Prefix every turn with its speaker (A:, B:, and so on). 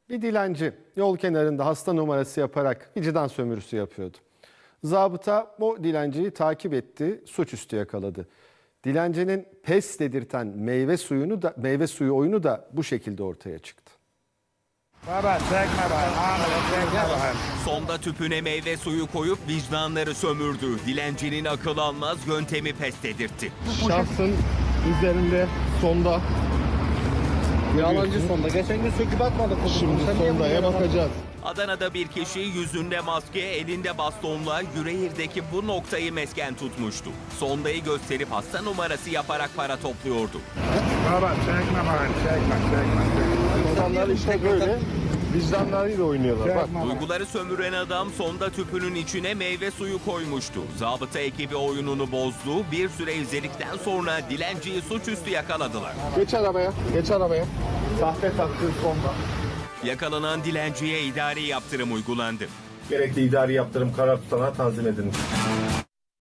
A: Bir dilenci yol kenarında hasta numarası yaparak vicdan sömürüsü yapıyordu. Zabıta o dilenciyi takip etti, suçüstü yakaladı. Dilencinin pes dedirten meyve suyu oyunu da bu şekilde ortaya çıktı.
B: Baba çekme bana, çekme bana.
C: Sonda tüpüne meyve suyu koyup vicdanları sömürdü. Dilencinin akıl almaz yöntemi pes dedirtti.
D: Şahsın üzerinde sonda.
E: Yalancı sonda. Geçen gün söküp atmadık.
D: Şimdi sondaya bakacağız.
C: Adana'da bir kişi yüzünde maske, elinde bastonla Yüreğir'deki bu noktayı mesken tutmuştu. Sondayı gösterip hasta numarası yaparak para topluyordu.
B: Baba çekme bana, çekme.
D: İnsanlar işte böyle vicdanlarıyla oynuyorlar. Bak.
C: Duyguları sömüren adam sonda tüpünün içine meyve suyu koymuştu. Zabıta ekibi oyununu bozdu. Bir süre izledikten sonra dilenciyi suçüstü yakaladılar.
D: Geç arabaya, geç arabaya. Sahte taktığın sonda.
C: Yakalanan dilenciye idari yaptırım uygulandı.
F: Gerekli idari yaptırım karar tutanağı tanzim edilmiş.